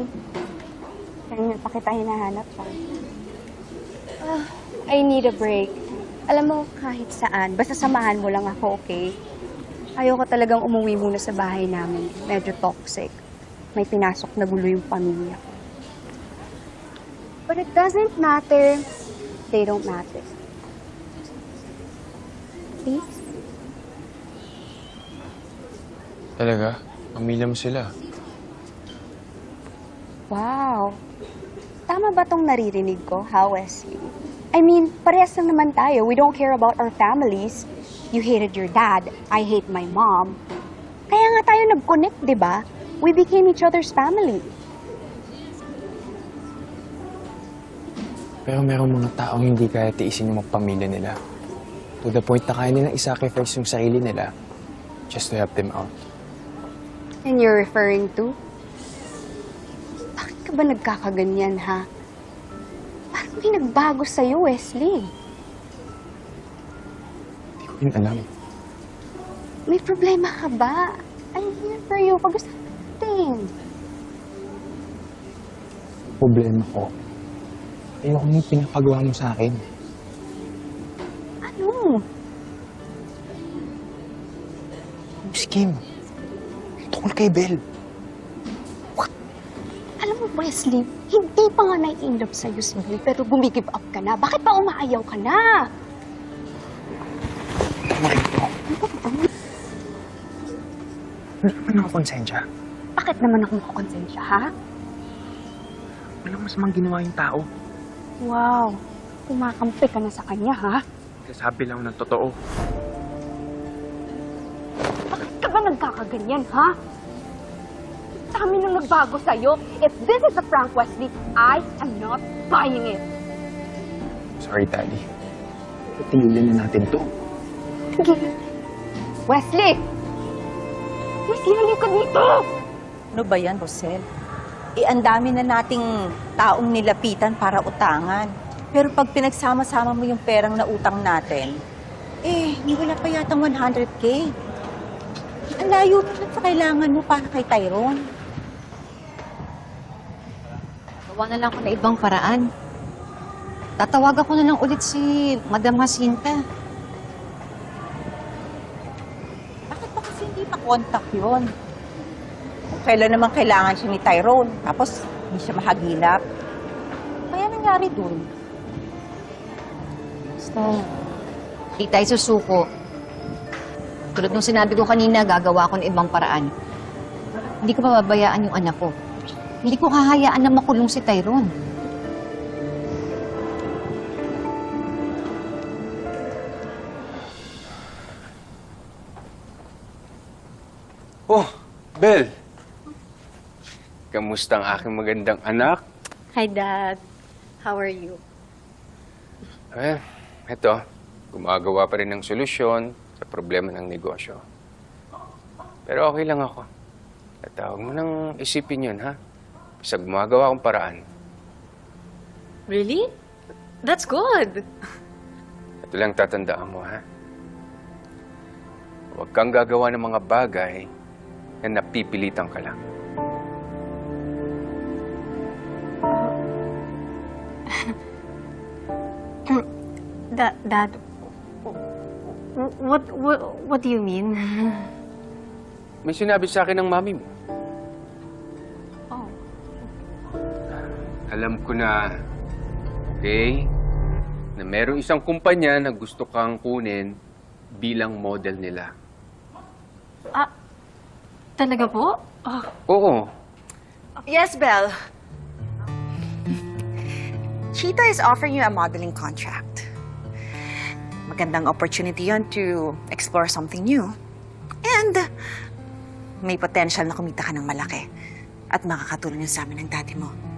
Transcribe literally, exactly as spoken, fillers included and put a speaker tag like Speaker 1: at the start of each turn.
Speaker 1: Honey, kanina pa kita hinahanap pa. Ah, I need a break. Alam mo, kahit saan, basta samahan mo lang ako, okay? Ayoko talagang umuwi muna sa bahay namin. Medyo toxic. May pinasok na gulo yung pamilya ko. But it doesn't matter. They don't matter. Please?
Speaker 2: Talaga? Pamilya mo sila?
Speaker 1: Wow. Tama ba tong naririnig ko, ha, Wesley? I mean, parehas lang naman tayo. We don't care about our families. You hated your dad. I hate my mom. Kaya nga tayo nag-connect, di ba? We became each other's family.
Speaker 2: Pero merong mga taong hindi kaya tiisin yung magpamilya nila. To the point na kaya nilang isacrifice yung sarili nila just to help them out.
Speaker 1: And you're referring to? Bakit ka ba nagkakaganyan, ha? Parang may nagbago sa'yo, Wesley.
Speaker 2: Hindi ko rin alam.
Speaker 1: May problema ka ba? I'm here for you. Pag-usapan natin.
Speaker 2: Problema ko. Ayoko nang pinapagawa mo sa akin.
Speaker 1: Ano?
Speaker 2: Miss Kim, tungkol kay Belle.
Speaker 1: Alam mo, Wesley, hindi pa nga nai-inlove sa'yo si Bill, pero bumigib up ka na. Bakit pa umaayaw ka na?
Speaker 2: Tama rin ito. Hindi naman ako konsensya.
Speaker 1: Bakit naman ako makakonsensya, ha?
Speaker 2: Walang masamang ginawa yung tao.
Speaker 1: Wow, kumakampi ka na sa kanya, ha?
Speaker 2: Sasabi lang ng totoo.
Speaker 1: Bakit ka ba nagkakaganyan, ha? Dami nang nagbago sa'yo. If this is a prank, Wesley, I am not buying it.
Speaker 2: Sorry, Daddy. Tigilan na natin to.
Speaker 1: Tigilan. Wesley! Wesley, halika dito!
Speaker 3: Ano ba yan, Rosel? Eh, ang dami na nating taong nilapitan para utangan. Pero pag pinagsama-sama mo yung perang na utang natin, eh, wala pa yatang one hundred K. Ang layo na sa kailangan mo para kay Tyrone.
Speaker 4: Gawa na lang ako na ibang paraan. Tatawagan ko na lang ulit si Madam Jacinta.
Speaker 3: Bakit ba kasi hindi pa-contact yun? Kung kailan naman kailangan siya ni Tyrone, tapos hindi siya mahagilap. Kaya nangyari dun.
Speaker 4: Basta, di tayo susuko. Tulad nung sinabi ko kanina, gagawa ko ng ibang paraan. Hindi ko pababayaan yung anak ko. Hindi ko hahayaan na makulong si Tyrone.
Speaker 5: Oh, Belle! Kamusta ang aking magandang anak?
Speaker 1: Hi, Dad. How are you?
Speaker 5: Eh, eto, gumagawa pa rin ng solusyon sa problema ng negosyo. Pero okay lang ako. At huwag mo nang isipin yun, ha? Basta gumagawa akong paraan.
Speaker 6: Really? That's good.
Speaker 5: Ito lang tatandaan mo, ha? Huwag kang gagawa ng mga bagay na napipilitan ka lang.
Speaker 6: Dad, Dad, what, what, what do you mean?
Speaker 5: May sinabi sa akin ng mami mo.
Speaker 6: Oh.
Speaker 5: Alam ko na, okay, na merong isang kumpanya na gusto kang kunin bilang model nila.
Speaker 6: Ah, talaga po? Oh.
Speaker 5: Oo.
Speaker 7: Yes, Belle. Cheetah is offering you a modeling contract. Magandang opportunity yon to explore something new. And may potential na kumita ka ng malaki. At makakatulong yun sa amin ng daddy mo.